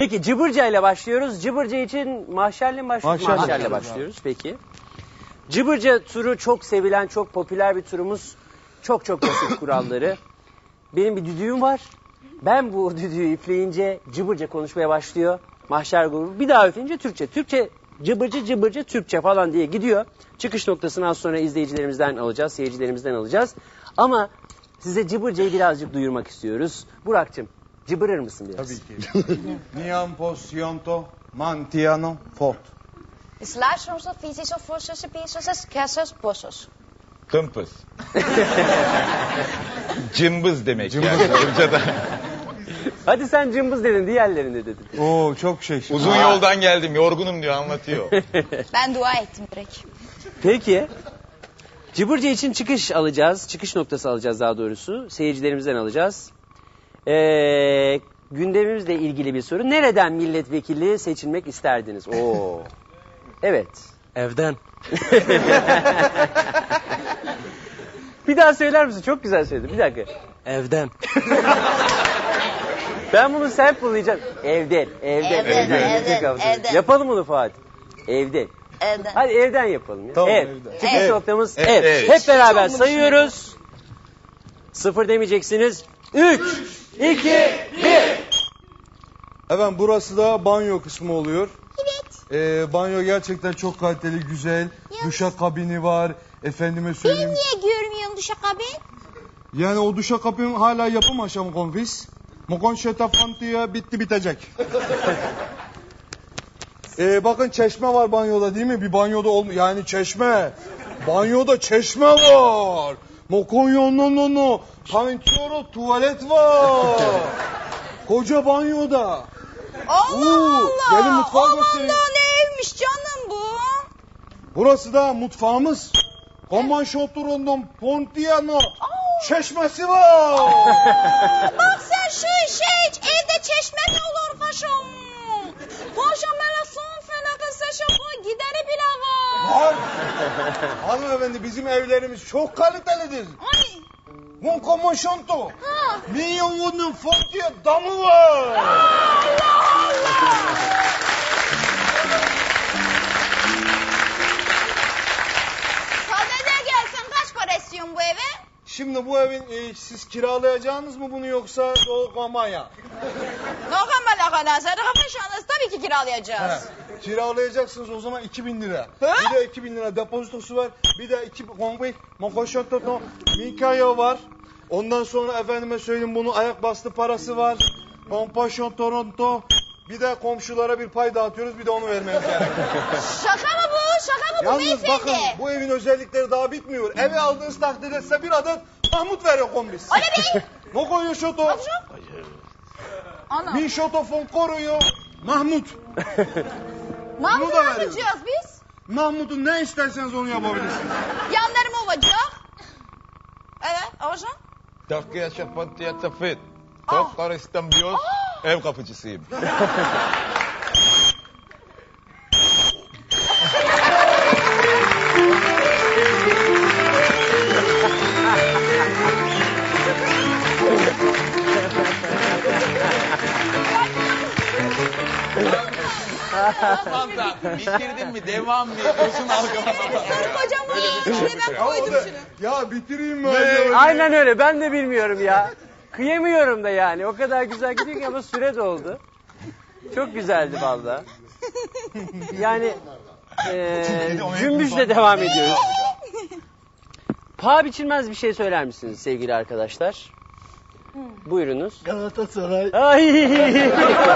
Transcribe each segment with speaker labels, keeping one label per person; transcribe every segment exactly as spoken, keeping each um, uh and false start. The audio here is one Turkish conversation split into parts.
Speaker 1: Peki Cıbırca ile başlıyoruz. Cıbırca için mahşerle mi başlıyoruz?
Speaker 2: Mahşerle.
Speaker 1: Mahşerle başlıyoruz. Peki. Cıbırca turu çok sevilen, çok popüler bir turumuz. Çok çok basit kuralları. Benim bir düdüğüm var. Ben bu düdüğü üfleyince Cıbırca konuşmaya başlıyor. Mahşer grubu. Bir daha üfleyince Türkçe. Türkçe cıbırcı cıbırcı Türkçe falan diye gidiyor. Çıkış noktasını az sonra izleyicilerimizden alacağız, seyircilerimizden alacağız. Ama size Cıbırca'yı birazcık duyurmak istiyoruz. Burak'cığım cıbırır mısın biraz?
Speaker 2: Tabii ki. Niam posionto mantiano fort.
Speaker 3: Sluitsoms, visies of vossos, pisos, kessos, bossos.
Speaker 4: Kımpız. Cımbız demek yani. Cımbız'da.
Speaker 1: Hadi sen cımbız dedin, diğerlerinde dedin.
Speaker 2: Oo çok şey.
Speaker 4: Uzun yoldan geldim, yorgunum diyor, anlatıyor.
Speaker 3: Ben dua ettim direkt.
Speaker 1: Peki. Cıbırca için çıkış alacağız. Çıkış noktası alacağız daha doğrusu. Seyircilerimizden alacağız. Ee, gündemimizle ilgili bir soru. Nereden milletvekili seçilmek isterdiniz? Oo. Evet.
Speaker 5: Evden.
Speaker 1: Bir daha söyler misin? Çok güzel söyledin. Bir dakika.
Speaker 5: Evden.
Speaker 1: Ben bunu sample'layacağım. Evden. Evden.
Speaker 3: Evden, evden,
Speaker 1: Çok hafif.
Speaker 3: evden.
Speaker 1: Yapalım bunu Fatih. Evden.
Speaker 3: Evden.
Speaker 1: Hadi evden yapalım ya.
Speaker 2: Tamam,
Speaker 1: ev.
Speaker 2: evden.
Speaker 1: Çıkış
Speaker 3: Ev.
Speaker 1: noktamız
Speaker 4: Ev,
Speaker 1: ev.
Speaker 4: ev.
Speaker 1: Hep beraber sayıyoruz. Sıfır demeyeceksiniz. Üç, iki, bir.
Speaker 2: Efendim burası da banyo kısmı oluyor.
Speaker 3: Evet.
Speaker 2: Ee, banyo gerçekten çok kaliteli, güzel. Duşakabini var. Efendime
Speaker 3: Ben
Speaker 2: söyleyeyim.
Speaker 3: niye görmüyorum duşakabin?
Speaker 2: Yani o duşakabin hala yapım aşamı konfis. Mokon şetafantiye bitti bitecek. ee, bakın çeşme var banyoda değil mi? Bir banyoda olmuyor. Yani çeşme. Banyoda çeşme var. Mokon yo no no no. Pançoro tuvalet var. Koca banyoda.
Speaker 3: Allah
Speaker 2: Oo,
Speaker 3: Allah.
Speaker 2: gelin mutfağı
Speaker 3: Aman
Speaker 2: göstereyim.
Speaker 3: da ne evmiş canım bu?
Speaker 2: Burası da mutfağımız. Koman şoturundan Pontiano çeşmesi var.
Speaker 3: Bak sen şu işe hiç evde çeşme mi olur paşam? Paşam hele son felaket seçim gideri bile var.
Speaker 2: Var. Hanımefendi bizim evlerimiz çok kalitelidir.
Speaker 3: Ay.
Speaker 2: Mon koman şonto.
Speaker 3: Ha.
Speaker 2: Milyonun Pontiano damı var.
Speaker 3: Allah Allah. Sadede gelsen kaç para istiyorsun bu eve?
Speaker 2: Şimdi bu evin e, siz kiralayacağınız mı bunu yoksa doğmaya?
Speaker 3: Nokan kadar sadaka şu anda tabii ki kiralayacağız.
Speaker 2: He, kiralayacaksınız o zaman iki bin lira.
Speaker 3: He?
Speaker 2: Bir de iki bin lira depozitosu var. Bir de iki konvoy, mokoşototo, minkayo var. Ondan sonra efendime söyleyeyim bunun ayak bastı parası var. Kompaşon Toronto. Bir de komşulara bir pay dağıtıyoruz. Bir de onu vermemiz gerekiyor.
Speaker 3: Şaka mı bu? Şaka mı bu
Speaker 2: Yalnız
Speaker 3: beyefendi?
Speaker 2: bakın bu evin özellikleri daha bitmiyor. Evi aldığınız takdirde size bir adet Mahmut veriyor kombis.
Speaker 3: Öyle mi?
Speaker 2: Mokoyo şoto.
Speaker 3: Ana.
Speaker 2: Min şoto fon koruyor. Mahmut.
Speaker 3: Mahmut
Speaker 2: da
Speaker 3: ne
Speaker 2: veriyor.
Speaker 3: yapacağız biz?
Speaker 2: Mahmut'un ne isterseniz onu yapabilirsiniz.
Speaker 3: Yanlarım olacak. Evet, hocam.
Speaker 4: Takıya şapantiye tafet.
Speaker 3: Ah.
Speaker 4: Toklar İstanbul. Ev kapıcısıyım. Tamam da bitirdin mi, devam mı ediyorsun, algılama.
Speaker 3: Sarı kocam var. Şöyle ben koydum şunu.
Speaker 2: Ya bitireyim mi acaba?
Speaker 1: Aynen öyle. Ben de bilmiyorum ya. Kıyamıyorum da yani. O kadar güzel gidiyor ki ama süre doldu. Çok güzeldi valla. Yani eee cümbüşle devam ediyoruz. Paha biçilmez bir şey söyler misiniz sevgili arkadaşlar? Buyurunuz.
Speaker 5: Galatasaray.
Speaker 1: Ay.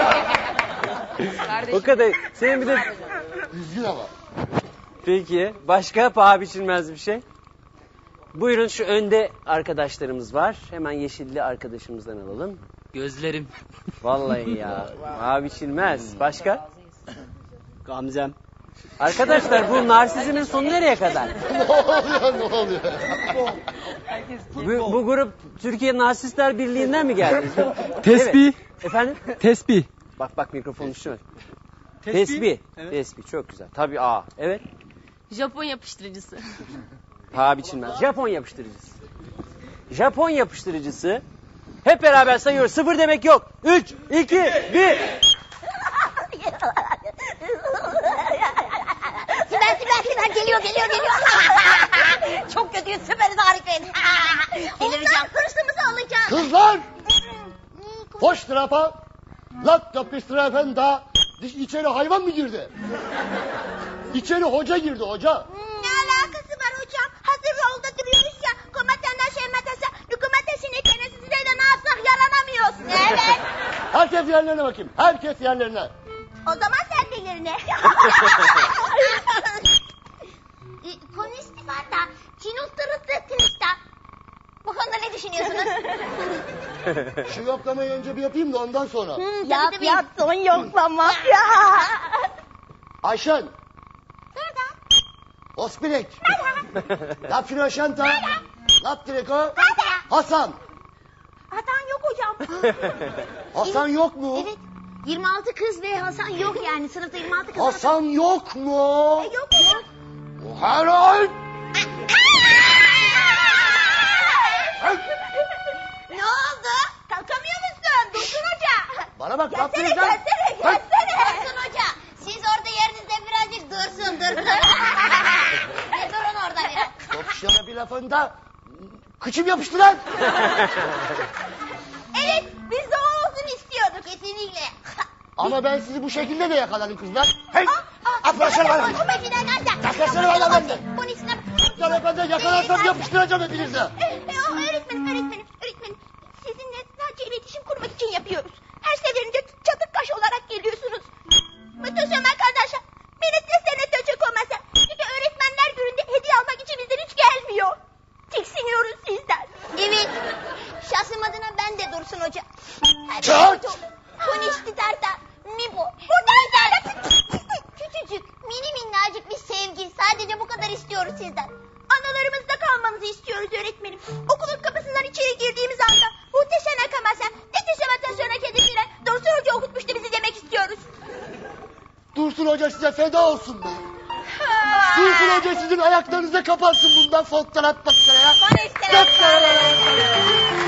Speaker 1: O kadar. Senin bir de...
Speaker 2: Düzgün ama.
Speaker 1: Peki. Başka paha biçilmez bir şey? Buyurun şu önde arkadaşlarımız var. Hemen yeşilli arkadaşımızdan alalım.
Speaker 5: Gözlerim.
Speaker 1: Vallahi ya. Paha biçilmez. Başka?
Speaker 5: Gamzem.
Speaker 1: Arkadaşlar bu narsizmin sonu nereye kadar?
Speaker 2: Ne oluyor ne oluyor?
Speaker 1: Bu, bu grup Türkiye Narsistler Birliği'nden mi geldiniz?
Speaker 5: Tesbih.
Speaker 1: Evet. Efendim?
Speaker 5: Tesbih.
Speaker 1: Bak bak mikrofonu düşürme. Tesbih. Tesbih çok güzel. Tabii aa. Evet.
Speaker 6: Japon yapıştırıcısı.
Speaker 1: Paha biçilmez. Japon yapıştırıcısı. Japon yapıştırıcısı. Hep beraber sayıyoruz. Sıfır demek yok. Üç, iki, bir.
Speaker 3: geliyor geliyor geliyor. Çok kötüyüz süperiz harikayız. Ondan hırsımızı alacağız.
Speaker 7: Kızlar! Hoş tarafa. Lat kapıştırafen da içeri hayvan mı girdi? İçeri hoca girdi hoca.
Speaker 3: Ne alakası var hocam? Hazır yolda duruyoruz ya. Komatana şematasa, nükumatesini size de ne yapsak yaranamıyoruz. Evet.
Speaker 7: Herkes yerlerine bakayım. Herkes yerlerine.
Speaker 3: O zaman sen de yerine. Konisti var da, kinulturutlu tınısta. Bu konuda ne düşünüyorsunuz?
Speaker 7: Şu yoklamayı önce bir yapayım da ondan sonra.
Speaker 3: Yap yap son yoklama. Ya.
Speaker 7: Ayşen.
Speaker 3: Nerede?
Speaker 7: Ospirek. Lap şanta. Lap direko.
Speaker 3: Nerede?
Speaker 7: Hasan.
Speaker 3: Hasan yok hocam.
Speaker 7: Hasan yok mu?
Speaker 3: Evet. yirmi altı kız ve Hasan yok yani. Sınıfta yirmi altı kız.
Speaker 7: Hasan yok mu?
Speaker 3: Yok hocam.
Speaker 7: Herhal.
Speaker 3: Ne oldu? Kalkamıyor musun? Dursun Hoca.
Speaker 7: Bana bak.
Speaker 3: Gelsene
Speaker 7: lap direko.
Speaker 3: gelsene gelsene. Dursun Hoca. Siz orada yerinizde birazcık dursun dursun. Bir durun orada biraz.
Speaker 7: Yok şuna bir lafında. Kıçım yapıştı lan.
Speaker 3: Evet biz de o olsun istiyorduk kesinlikle.
Speaker 7: Ama ben sizi bu şekilde de yakaladım kızlar. Hey!
Speaker 3: Aa,
Speaker 7: Atlasana bana.
Speaker 3: O makine nerede?
Speaker 7: Atlasana bana benden.
Speaker 3: Bunun içine...
Speaker 7: Sana ben de yakalarsam yapıştıracağım hepinizi.
Speaker 3: Ee, öğretmenim, öğretmenim, öğretmenim. Sizinle sadece iletişim kurmak için yapıyoruz. Her seferinde çatık kaş olarak geliyorsunuz. Muhteşem arkadaşlar. Beni seslerine töçük olmasa. Çünkü öğretmenler gününde hediye almak için bizden hiç gelmiyor. Tiksiniyoruz sizden. Evet. Şahsım adına ben de Dursun Hoca.
Speaker 7: Çat!
Speaker 3: Konişti tarta. Mibo. Buradayız. Küçücük, mini minnacık bir sevgi. Sadece bu kadar istiyoruz sizden. Analarımızda kalmanızı istiyoruz öğretmenim. Okulun kapısından içeri girdiğimiz anda muhteşem akamasa, muhteşem atasyona kedisiyle Dursun Hoca okutmuştu bizi demek istiyoruz.
Speaker 7: Dursun Hoca size feda olsun be. Dursun Hoca sizin ayaklarınıza kapansın bundan fotoğraf bakmaya.
Speaker 3: Konuştu.